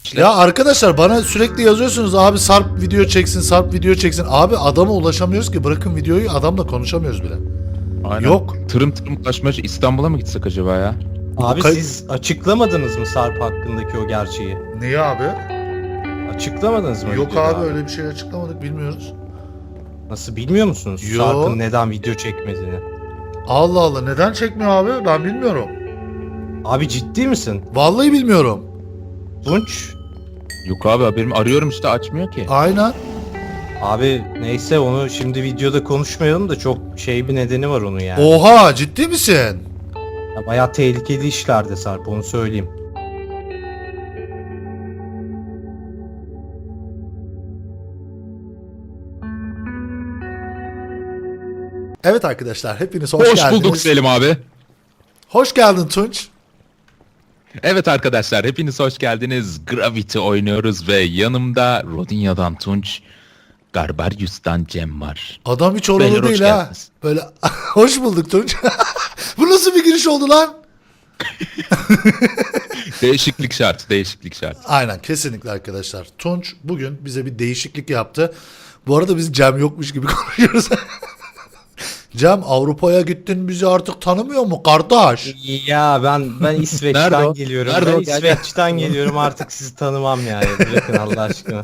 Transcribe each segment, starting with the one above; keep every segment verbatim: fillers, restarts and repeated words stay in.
işler. Ya arkadaşlar bana sürekli yazıyorsunuz abi Sarp video çeksin, Sarp video çeksin. Abi adama ulaşamıyoruz ki, bırakın videoyu, adamla konuşamıyoruz bile. Aynen. Yok. Tırım tırım ulaşmaya İstanbul'a mı gitsek acaba ya? Abi kay- siz açıklamadınız mı Sarp hakkındaki o gerçeği? Niye abi? Açıklamadınız mı? Yok videoda abi öyle bir şey açıklamadık, bilmiyoruz. Nasıl bilmiyor musunuz Yo. Sarp'ın neden video çekmediğini? Allah Allah, neden çekmiyor abi? Ben bilmiyorum. Abi ciddi misin? Vallahi bilmiyorum. Tunç? Yok abi haberim, arıyorum işte açmıyor ki. Aynen. Abi neyse onu şimdi videoda konuşmayalım da çok şey bir nedeni var onun yani. Oha, ciddi misin? Ya bayağı tehlikeli işlerde Sarp, onu söyleyeyim. Evet arkadaşlar, hepiniz hoş, Hoş geldiniz. bulduk Selim abi. Hoş geldin Tunç. Evet arkadaşlar hepiniz hoş geldiniz. Gravity oynuyoruz ve yanımda Rodinya'dan Tunç, Garbarius'tan Cem var. Adam hiç Beyler, oralı hoş değil ha. geldiniz. Böyle hoş bulduk Tunç. Bu nasıl bir giriş oldu lan? Değişiklik şart, değişiklik şart. Aynen, kesinlikle arkadaşlar. Tunç bugün bize bir değişiklik yaptı. Bu arada biz Cem yokmuş gibi konuşuyoruz. Cem, Avrupa'ya gittin, bizi artık tanımıyor mu kardeş? Ya ben ben Nerede İsveç'ten o? geliyorum. Nerede ben o? Gel, gel. İsveç'ten geliyorum, artık sizi tanımam yani. Bırakın Allah aşkına.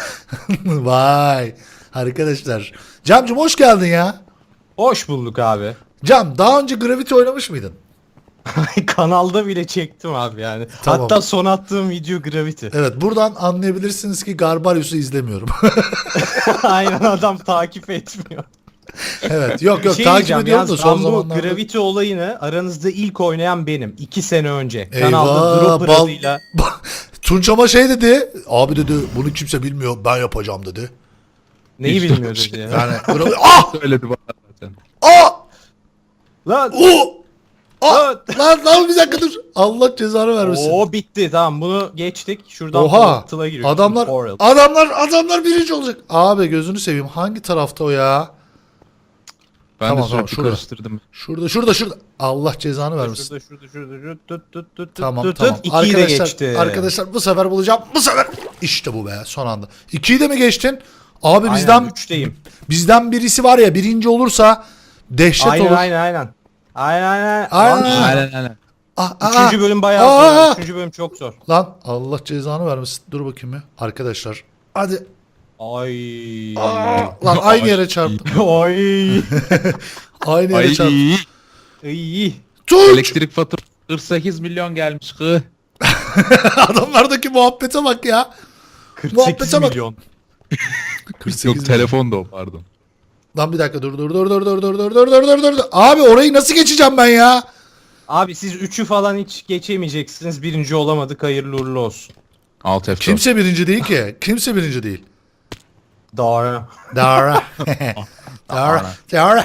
Vay arkadaşlar. Cem'cim hoş geldin ya. Hoş bulduk abi. Cem, daha önce Gravity oynamış mıydın? Kanalda bile çektim abi yani. Tamam. Hatta son attığım video Gravity. Evet, buradan anlayabilirsiniz ki Garbarius'u izlemiyorum. Aynen, adam takip etmiyor. Evet, yok yok Şey takip diyeceğim, ediyorum da yalnız son ben bu zamanlarda. Gravity olayını aranızda ilk oynayan benim. iki sene önce. Eyvah, Kanalda Dropper bal- adıyla. Tunç ama şey dedi. Abi dedi, bunu kimse bilmiyor, ben yapacağım dedi. Neyi İşte bilmiyor o şey. dedi ya. Yani Gravity... Ah! Söyledi bana zaten. Ah! Lan. O! Ah! Lan. Lan lan bir dakika dur. Allah cezanı vermesin. Oo bitti, tamam bunu geçtik. Şuradan Oha! portal'a giriyoruz. Adamlar Portal. adamlar adamlar birinci olacak. Abi gözünü seveyim. Hangi tarafta o ya? Ben Tamam, de tamam, sürekli şurada. karıştırdım. Şurada şurada şurada. Allah cezanı vermesin. Şurada şurada şurada şurada tut tut tut Tamam tut tamam. tut. İkiyi de Arkadaşlar, geçti. arkadaşlar bu sefer bulacağım. Bu sefer. İşte bu be, son anda. ikiyi de mi geçtin? Abi Aynen, bizden üçteyim. bizden birisi var ya, birinci olursa dehşet Aynen olur. aynen aynen. Aynen aynen. Aynen. Lan, Aynen aynen. Ah, ah, Üçüncü bölüm bayağı Aa! zor. Üçüncü bölüm çok zor. Lan Allah cezanı vermesin. Dur bakayım ya. Arkadaşlar. Hadi. Ay. Lan aynı yere çarptım. Ay. Aynı yere Ay, çarptım. İyi. Tunç! elektrik faturası kırk sekiz milyon gelmiş kı. Adamlardaki muhabbete bak ya. kırk Muhabbete sekiz bak. milyon. kırk sekiz Yok milyon. telefon da o pardon. Lan bir dakika, dur dur dur dur dur dur dur dur dur dur dur. Abi orayı nasıl geçeceğim ben ya? Abi siz üçü falan hiç geçemeyeceksiniz. Birinci olamadık. Hayırlı uğurlu olsun. Alt F dört. Kimse birinci değil ki. Kimse birinci değil. Doğru. Dara. Dara. Dara.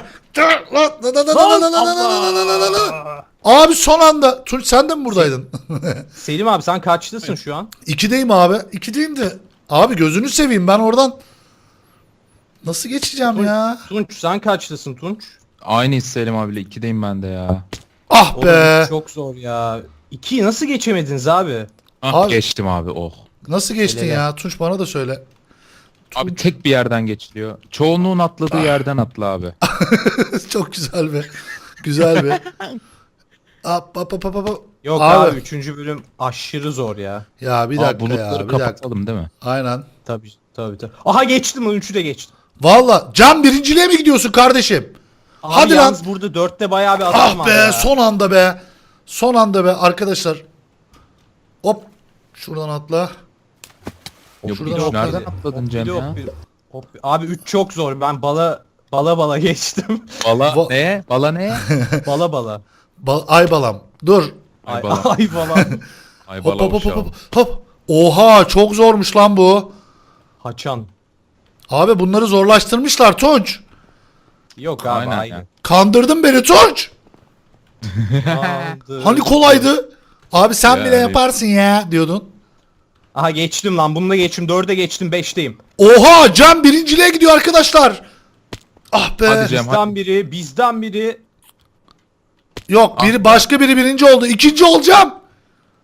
Abi son anda. Tunç sen de mi buradaydın? Selim abi sen kaçlısın şu an? İkideyim abi. İkideyim de. Abi gözünü seveyim, ben oradan nasıl geçeceğim ya? Tunç sen kaçlısın Tunç? Aynı Selim abiyle ikideyim ben de ya. Ah Oğlum be. çok zor ya. İkiyi nasıl geçemediniz abi? Ah, Abi- geçtim abi oh. Nasıl geçtin Helal. ya? Tunç bana da söyle. Abi tek bir yerden geçiliyor. Çoğunluğun atladığı yerden atla abi. Çok güzel be. Güzel be. Hop hop hop hop hop. Yok Abi. abi, üçüncü bölüm aşırı zor ya. Ya bir Aa, dakika bulutları ya. Bir dakika. kapatalım değil mi? Aynen. Tabii tabii tabii. Aha geçtim, üçü de geçtim. Valla Can, birinciliğe mi gidiyorsun kardeşim? Abi Hadi lan. yalnız burada dörtte bayağı bir adam Ah var be, ya. son anda be. Son anda be arkadaşlar. Hop. Şuradan atla. Yok Şuradan bir atla. nereden atladın Cem Yok, ya? bir- hop. Abi üç çok zor. Ben bala bala bala geçtim. Bala Va- ne? Bala ne? bala bala. Ba- ay balam. Dur. Ay, Ay bala. ay bala. Ay Hop bala hop hop uşağım. hop hop. Oha, çok zormuş lan bu. Haçan. Abi bunları zorlaştırmışlar Tunç. Yok abi Aynen aynı. ya. Kandırdın beni Tunç. Aldı. Hani kolaydı. Abi sen Yani. bile yaparsın ya diyordun. Aha geçtim lan. Bunu da geçtim. Dörde geçtim. Beşteyim. Oha, Can birinciliğe gidiyor arkadaşlar. Ah be. Hadi Cem. Bizden biri. Bizden biri. Yok, biri Ah. başka biri birinci oldu. İkinci olacağım.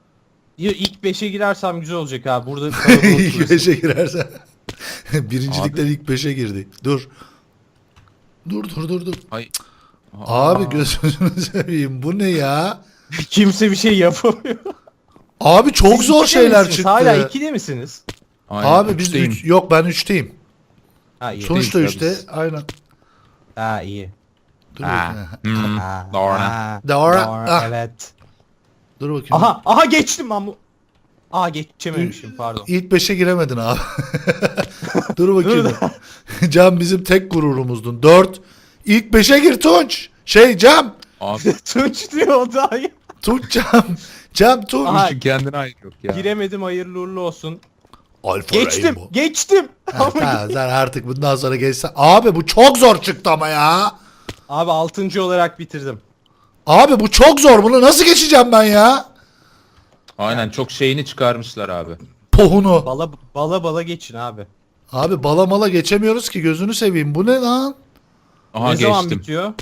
Ya ilk beşe girersem güzel olacak abi. Burada kalabalık İlk turist. beşe girersen. Birincilikten ilk beşe girdi. Dur. Dur dur dur dur. Ay. Abi gözünü seveyim. Bu ne ya? Kimse bir şey yapamıyor. Abi çok Siz zor ikide şeyler misiniz? çıktı. Hala ikide misiniz? Aynen, Abi biz üçteyim. üç, yok ben üçteyim. Ha iyi. Sonuçta ya üçte. biz. Aynen. Ha iyi. Dur Ha. bakayım. Hmm, Ha, Doğru. ha, Doğru. Ah. Evet. Dur bakayım. Aha aha geçtim ben bu. Aha geçememişim pardon. İlk beşe giremedin abi. Dur bakayım. Cam bizim tek gururumuzdun. Dört. İlk beşe gir Tunç. Şey Cam. Abi Tunç diyor o da. Tunç Cam. Cam Tunç. Aha. Tunç'un kendine ait yok ya. Giremedim hayırlı uğurlu olsun. Alfa Geçtim Rainbow. geçtim. Ha, tamam, sen artık bundan sonra geçsen. Abi bu çok zor çıktı ama ya. Abi altıncı olarak bitirdim. Abi bu çok zor. Bunu nasıl geçeceğim ben ya? Aynen çok şeyini çıkarmışlar abi. Pohunu. Bala bala bala geçin abi. Abi balamala geçemiyoruz ki gözünü seveyim. Bu ne lan? Aha ne zaman geçtim. bitiyor?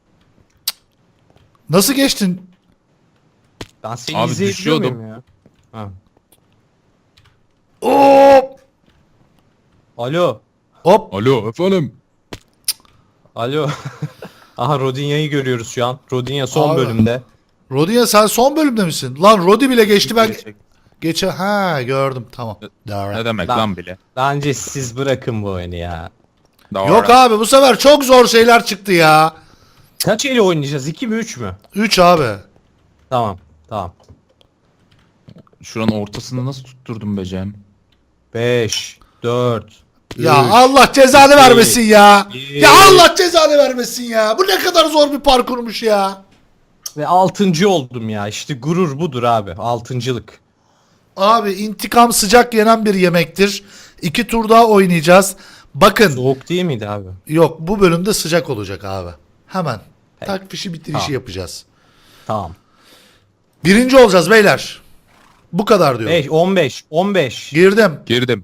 Nasıl geçtin? Ben seni Abi izleyebiliyor düşüyordum. muyum ya? Ha. Hop. Alo. Hop. Alo efendim. Alo. Aha Rodinya'yı görüyoruz şu an. Rodinya son Abi. bölümde. Rodinya sen son bölümde misin? Lan Rodi bile geçti ben. Çek- Geçe ha gördüm tamam. Doğru. Ne demek Ben- lan bile. Bence siz bırakın bu oyunu ya. Doğru. Yok abi bu sefer çok zor şeyler çıktı ya. Kaç eli oynayacağız? iki mi üç mü? üç abi. Tamam. Tamam. Şuranın ortasını nasıl tutturdum be Cem? beş, dört, Ya üç, Allah cezanı iki, vermesin ya. bir. Ya Allah cezanı vermesin ya. Bu ne kadar zor bir parkurmuş ya. ve altıncı oldum ya. İşte gurur budur abi. Altıncılık. Abi intikam sıcak yenen bir yemektir. İki tur daha oynayacağız. Bakın Soğuk değil miydi abi? yok bu bölümde sıcak olacak abi. Hemen tak fişi bitirişi Tamam. yapacağız. Tamam. Birinci olacağız beyler. Bu kadar diyor. beş, on beş, on beş. Girdim. Girdim.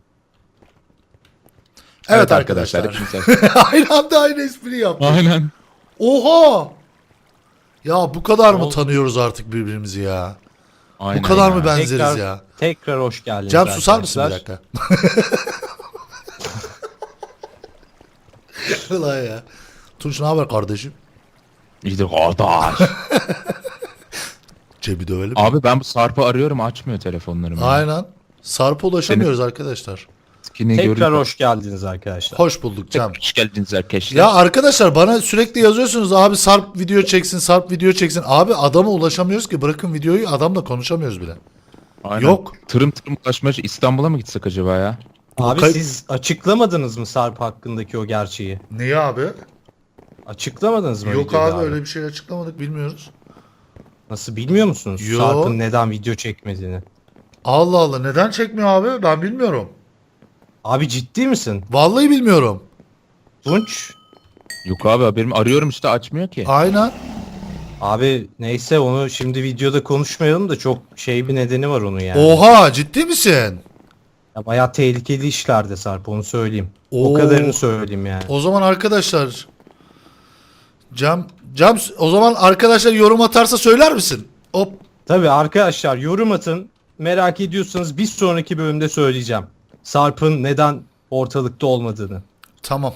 Evet, arkadaşlar. hepinize- aynı anda aynı espri yaptık. Aynen. Oha! Ya bu kadar mı Oldu. tanıyoruz artık birbirimizi ya? Aynen Bu kadar ya. mı benzeriz Tekrar, ya? tekrar hoş geldiniz Cem susar mısın bir arkadaşlar. dakika? Ulan ya. Tunç ne haber kardeşim? İyidir kardeş. Cem'i dövelim. Abi ben bu Sarp'ı arıyorum açmıyor telefonlarımı. Aynen. Sarp'a ulaşamıyoruz arkadaşlar. Skini Tekrar görünce- hoş geldiniz arkadaşlar. Hoş bulduk Cem. Hoş geldiniz arkadaşlar. Ya arkadaşlar bana sürekli yazıyorsunuz abi Sarp video çeksin, Sarp video çeksin. Abi adama ulaşamıyoruz ki bırakın videoyu adamla konuşamıyoruz bile. Aynen. Yok. Tırım tırım ulaşmaya İstanbul'a mı gitsek acaba ya? Abi Kay- siz açıklamadınız mı Sarp hakkındaki o gerçeği? Niye abi? Açıklamadınız mı? Yok videoda abi öyle bir şey açıklamadık bilmiyoruz. Nasıl bilmiyor musunuz? Yo. Sarp'ın neden video çekmediğini. Allah Allah neden çekmiyor abi ben bilmiyorum. Abi ciddi misin? Vallahi bilmiyorum. Tunç. Yok abi haberim arıyorum işte açmıyor ki. Aynen. Abi neyse onu şimdi videoda konuşmayalım da çok şey bir nedeni var onun yani. Oha ciddi misin? Ya bayağı tehlikeli işlerde Sarp onu söyleyeyim. Oo. O kadarını söyleyeyim yani. O zaman arkadaşlar Cam Cam o zaman arkadaşlar yorum atarsa söyler misin? Hop. Tabii arkadaşlar yorum atın. Merak ediyorsanız bir sonraki bölümde söyleyeceğim. Sarp'ın neden ortalıkta olmadığını. Tamam.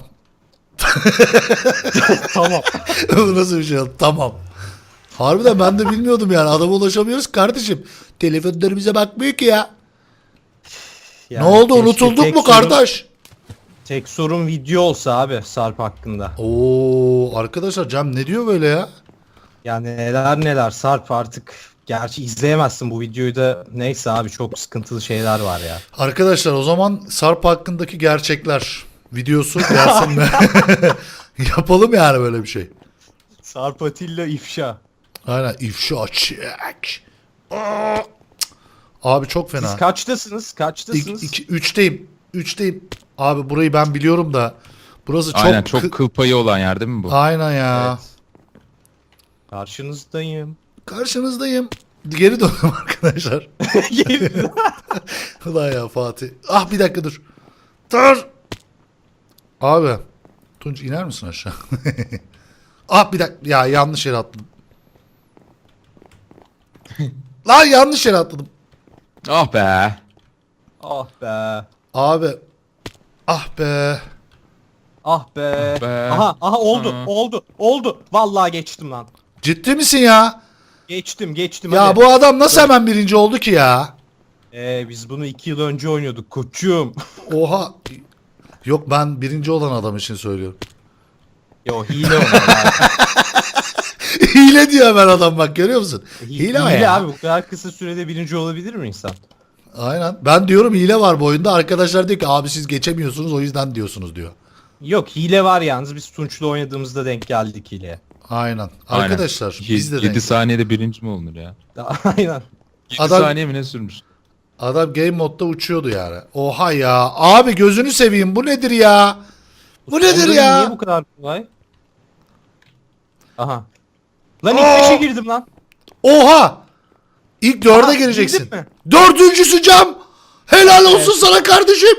Tamam. Bu nasıl bir şey? Tamam. Harbiden ben de bilmiyordum yani. Adama ulaşamıyoruz kardeşim. Telefonları bize bakmıyor ki ya. Yani ne oldu keşke unutulduk tek mu sorun- kardeş? Tek sorun video olsa abi Sarp hakkında. Oo arkadaşlar Cem ne diyor böyle ya? Yani neler neler Sarp artık. Gerçi izleyemezsin bu videoyu da. Neyse abi çok sıkıntılı şeyler var ya. Arkadaşlar o zaman Sarp hakkındaki gerçekler videosu gelsin mi? Yapalım yani böyle bir şey. Sarp Atilla ifşa. Aynen ifşa çek. Aa! Abi çok fena. Siz kaçtasınız? Kaçtasınız? İki, iki, üçteyim. Üçteyim. Abi burayı ben biliyorum da. Burası çok... Aynen çok kı- kıl payı olan yer değil mi bu? Aynen ya. Evet. Karşınızdayım. Karşınızdayım. Geri döndüm arkadaşlar. Ulan ya Fatih. Ah bir dakika dur. Dur. Abi. Tunç iner misin aşağı? Ah bir dakika. Ya yanlış yere atladım. Lan yanlış yere atladım. Ah be. Ah be. Abi. Ah be. Ah be. Ah be. Aha aha oldu Hı. oldu oldu. Vallahi geçtim lan. Ciddi misin ya? Geçtim geçtim Ya hadi. bu adam nasıl hemen birinci oldu ki ya? Ee, biz bunu iki yıl önce oynuyorduk koçum. Oha. Yok ben birinci olan adam için söylüyorum. Yo hile onlar. Hile diyor hemen adam bak görüyor musun? Hile, o hile ya. abi bu kadar kısa sürede birinci olabilir mi insan? Aynen. Ben diyorum hile var bu oyunda. Arkadaşlar diyor ki abi siz geçemiyorsunuz o yüzden diyorsunuz diyor. Yok hile var yalnız biz Tunç'la oynadığımızda denk geldik hileye. Aynen. Aynen. Arkadaşlar biz de yedi denk- saniyede birinci mi olunur ya? Aynen. yedi Adam- saniye mi ne sürmüş? Adam game modda uçuyordu yani. Oha ya. Abi gözünü seveyim bu nedir ya? Bu nedir Onların ya? Niye bu kadar kolay? Aha. Lan ilk Aa! beşe girdim lan. Oha! İlk dörde Aa, gireceksin. girdin mi? Dördüncüsü Cam. Helal olsun Evet. sana kardeşim.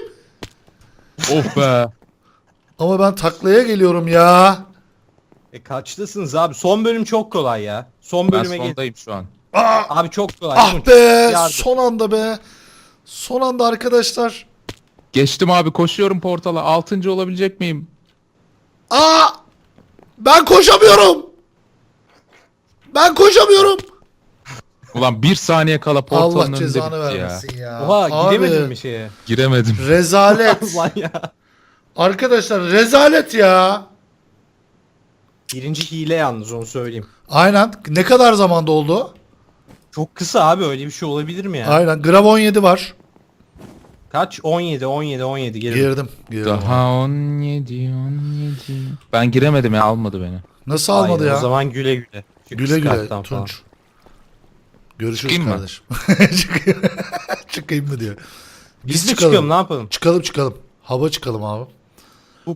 Oh be. Ama ben taklaya geliyorum ya. E kaçtasınız abi? Son bölüm çok kolay ya. Son Ben bölüme gel. sondayım şu an. Aa, Abi çok kolay. ah Tunç, be. yardım. Son anda be. Son anda arkadaşlar. Geçtim abi, koşuyorum portala. Altıncı olabilecek miyim? Aa! Ben koşamıyorum. Ben koşamıyorum. Ulan bir saniye kala portalın Allah önünde cezanı bitti ya. vermesin ya. Oha Abi, gidemedin mi şeye? Giremedim. Rezalet. Lan ya. Arkadaşlar rezalet ya. Birinci hile yalnız onu söyleyeyim. Aynen. Ne kadar zamanda oldu? Çok kısa abi öyle bir şey olabilir mi ya? Aynen. Grav on yedi var. Kaç? on yedi on yedi on yedi girdim. Girdim. girdim. Daha on yedi on yedi. Ben giremedim ya, almadı beni. Nasıl almadı Aynen, ya? O zaman güle güle. Şu Güle güle kıskançtan falan. Tunç. Görüşürüz Çıkayım mı? kardeşim. Çıkayım. Çıkayım mı diyor. Biz de çıkalım ne yapalım? Çıkalım çıkalım. Hava çıkalım abi. Hup.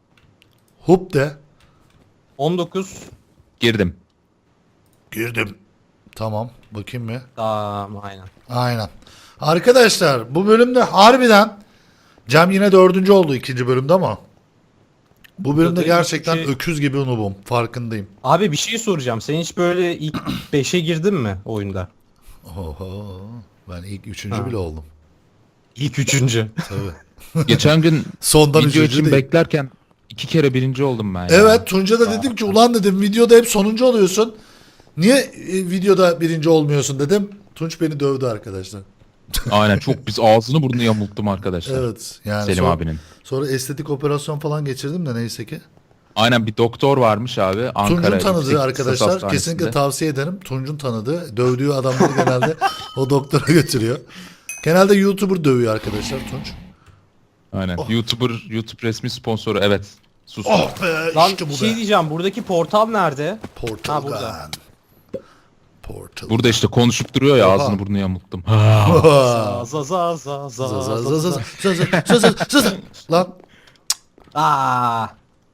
Hup de. on dokuz. Girdim. Girdim. Tamam. Bakayım mı? Tamam aynen. Aynen. Arkadaşlar bu bölümde harbiden Cem yine dördüncü oldu ikinci bölümde ama bu bölümde Zaten gerçekten hiçbir şey- öküz gibi noobum. Farkındayım. Abi bir şey soracağım. Sen hiç böyle ilk beşe girdin mi oyunda? Oho. Ben ilk üçüncü Ha. bile oldum. İlk üçüncü. Tabii. Geçen gün Sondan video üçüncü için değil. beklerken iki kere birinci oldum ben ya. Evet Tunca da dedim ki ulan dedim videoda hep sonuncu oluyorsun. Niye e, videoda birinci olmuyorsun dedim. Tunç beni dövdü arkadaşlar. Aynen, çok biz ağzını burnunu yamulttum arkadaşlar. Evet. Yani Selim sonra, abinin. sonra estetik operasyon falan geçirdim de neyse ki. Aynen, bir doktor varmış abi Ankara. Tunç'un Yüksek tanıdığı Lisans arkadaşlar Hastanesi'nde. kesinlikle tavsiye ederim. Tunç'un tanıdığı dövdüğü adamları genelde o doktora götürüyor. Genelde YouTuber dövüyor arkadaşlar Tunç. Aynen. YouTuber, YouTube resmi sponsoru, evet. Sus. Oh be Lan işte bir bu şey be. diyeceğim. Buradaki portal nerede? Portal Ha, burada. Gun. Portal. Burada işte konuşup duruyor ya, Oha. ağzını burnunu yamulttum. Za za za za za Zaz, za zaz, za. zaz, zaz, zaz, zaz, zaz, zaz. Lan. Aa.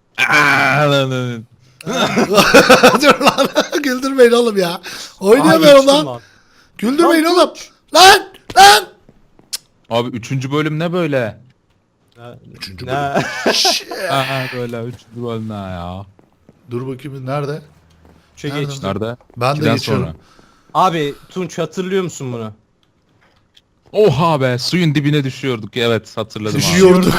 Dur lan. Güldürmeyin oğlum ya. Aa, Oynayamıyorum geçtim lan. Güldürmeyin Lan oğlum. Lan. Lan. Abi üçüncü bölüm ne böyle? Üçüncü Ne? Aa, böyle üçüncü bölüm ne ya? Dur bakayım nerede? Üçe Nerede? geçtim. Nerede? Ben de İkiden geçiyorum. sonra. Abi Tunç hatırlıyor musun bunu? Oha be, suyun dibine düşüyorduk. Evet, hatırladım abi. Düşüyorduk.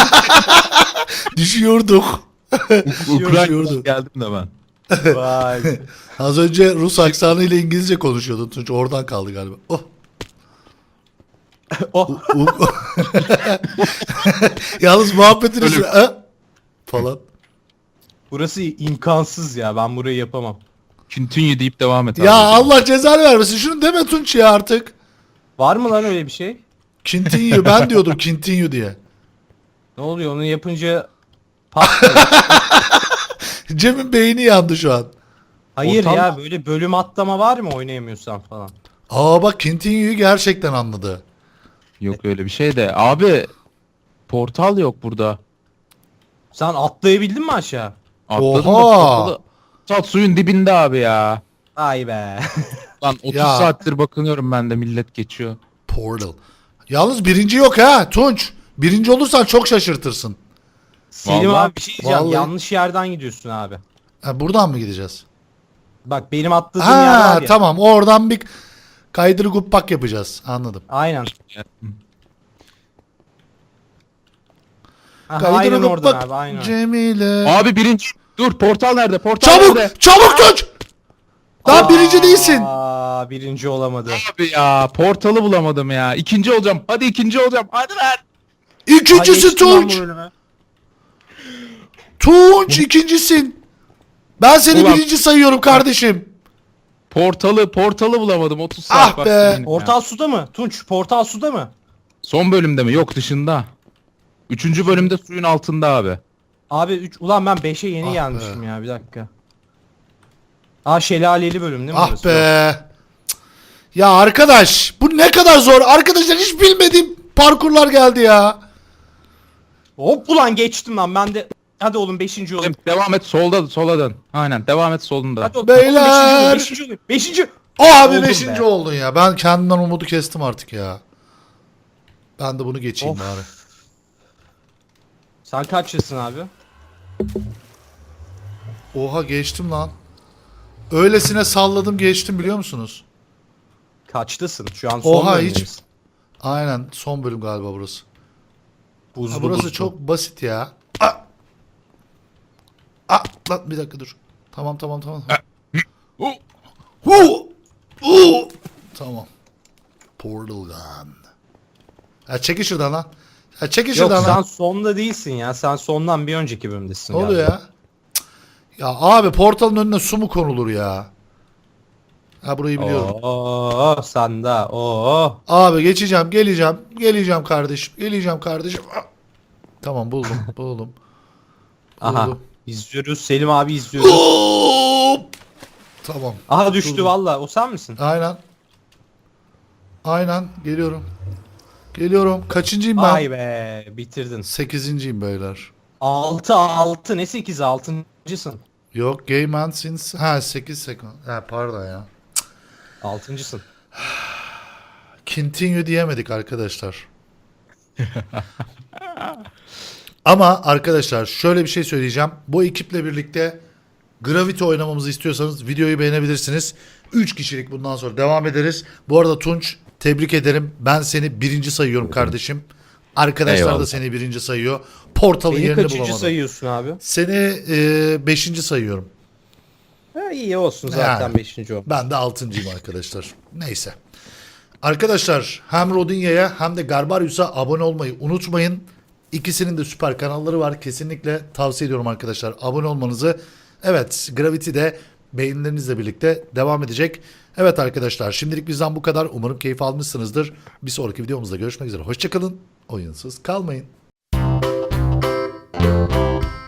Düşüyorduk. Ukrayna'dan Düşüyorduk. geldim de ben. Vay. Az önce Rus aksanı ile İngilizce konuşuyordun Tunç. Oradan kaldı galiba. Oh. Oh. U- u- Yalnız muhabbetin Öyle- üstüne ha? falan. Burası imkansız ya. Ben burayı yapamam. Continue deyip devam et abi. Ya Allah cezanı vermesin. Şunu deme Tunç ya artık. Var mı lan öyle bir şey? Continue. Ben diyordum continue diye. Ne oluyor onu yapınca pat. Cem'in beyni yandı şu an. Hayır Ortam- ya böyle bölüm atlama var mı oynayamıyorsan falan. Aa bak continue'yu gerçekten anladı. Yok öyle bir şey de. Abi portal yok burada. Sen atlayabildin mi aşağı? Atladım da Oha! portalı. Sat suyun dibinde abi ya. Ay be. Lan otuz Ya. saattir bakınıyorum ben de, millet geçiyor. Portal. Yalnız birinci yok ha Tunç. Birinci olursan çok şaşırtırsın. Selim Vallahi- abi bir şey diyeceğim. vallahi- Yanlış yerden gidiyorsun abi. Ha, buradan mı gideceğiz? Bak benim atladığım yer var Ha ya. tamam oradan bir Kaydırı guppak yapacağız. Anladım. Aynen. Aha, Kaydırı aynen oradan guppak abi aynen. Cemile. Abi birinci. Dur portal nerede? Portal Çabuk! nerede? Çabuk Tunç! Daha birinci değilsin. Aa, birinci olamadı. Abi ya portalı bulamadım ya. İkinci olacağım. Hadi ikinci olacağım. Hadi lan. Aa, İkincisi geçtim ben bu Tunç. bölümü. Tunç ikincisin. Ben seni Ulan. birinci sayıyorum kardeşim. Portalı portalı bulamadım. otuz Ah saat be. vaktim benim ya. Portal suda mı? Tunç portal suda mı? Son bölümde mi? Yok dışında. Üçüncü bölümde suyun altında abi. Abi üç, ulan ben beşe yeni Ah gelmişim ya bir dakika. Aa şelaleli bölüm değil mi? Ah burası? be. Cık. Ya arkadaş bu ne kadar zor. Arkadaşlar hiç bilmediğim parkurlar geldi ya. Hop ulan geçtim lan ben de. Hadi oğlum beşinci olayım. Devam et solda sola dön. Aynen devam et solunda. Hadi oğlum, Beyler. beşinci olayım. Beşinci olayım. O abi Oldum beşinci be. oldun ya. Ben kendimden umudu kestim artık ya. Ben de bunu geçeyim Of. bari. Sen kaçlısın abi? Oha geçtim lan. Öylesine salladım geçtim biliyor musunuz? Kaçlısın? Şu an son Oha, bölümdeyiz. hiç- Aynen son bölüm galiba burası. Buzlu Ha, burası buzlu. çok basit ya. Aa! Aa, lan bir dakika dur. Tamam tamam tamam. Oh. Hu! Hu! Tamam. Portal gun. Ha çekil şuradan lan. Ha çekil Yok şuradan sen lan. sonda değilsin ya. Sen sondan bir önceki bölümdesin. Ne oluyor galiba. ya? Cık. Ya abi portalın önüne su mu konulur ya? Ha burayı biliyorum. Oo sen de. Oo. Abi geçeceğim, geleceğim. Geleceğim kardeşim. Geleceğim kardeşim. Ah. Tamam buldum, buldum. Aha. Buldum. İzliyoruz. Selim abi izliyoruz. Hop! Tamam. Aha düştü Buldum. valla. O sen misin? Aynen. Aynen geliyorum. Geliyorum. Kaçıncıyım ben? Vay be bitirdin. Sekizinciyim beyler. altı altı ne sekiz altıncısın. Yok Game Man since... Ha sekiz sekund. Ha pardon ya. altıncısın. Continue diyemedik arkadaşlar. Ama arkadaşlar şöyle bir şey söyleyeceğim. Bu ekiple birlikte Gravity oynamamızı istiyorsanız videoyu beğenebilirsiniz. üç kişilik bundan sonra devam ederiz. Bu arada Tunç tebrik ederim. Ben seni birinci sayıyorum kardeşim. Arkadaşlar Eyvallah. da seni birinci sayıyor. Portalın Beni yerini kaçıncı bulamadım. sayıyorsun abi? Seni e, beşinci sayıyorum. Ha, iyi olsun zaten Yani. beşinci o. Ben de altıncıyım arkadaşlar. Neyse. Arkadaşlar hem Rodinya'ya hem de Garbarius'a abone olmayı unutmayın. İkisinin de süper kanalları var. Kesinlikle tavsiye ediyorum arkadaşlar abone olmanızı. Evet Gravity de beğenilerinizle birlikte devam edecek. Evet arkadaşlar şimdilik bizden bu kadar. Umarım keyif almışsınızdır. Bir sonraki videomuzda görüşmek üzere. Hoşçakalın. Oyunsuz kalmayın.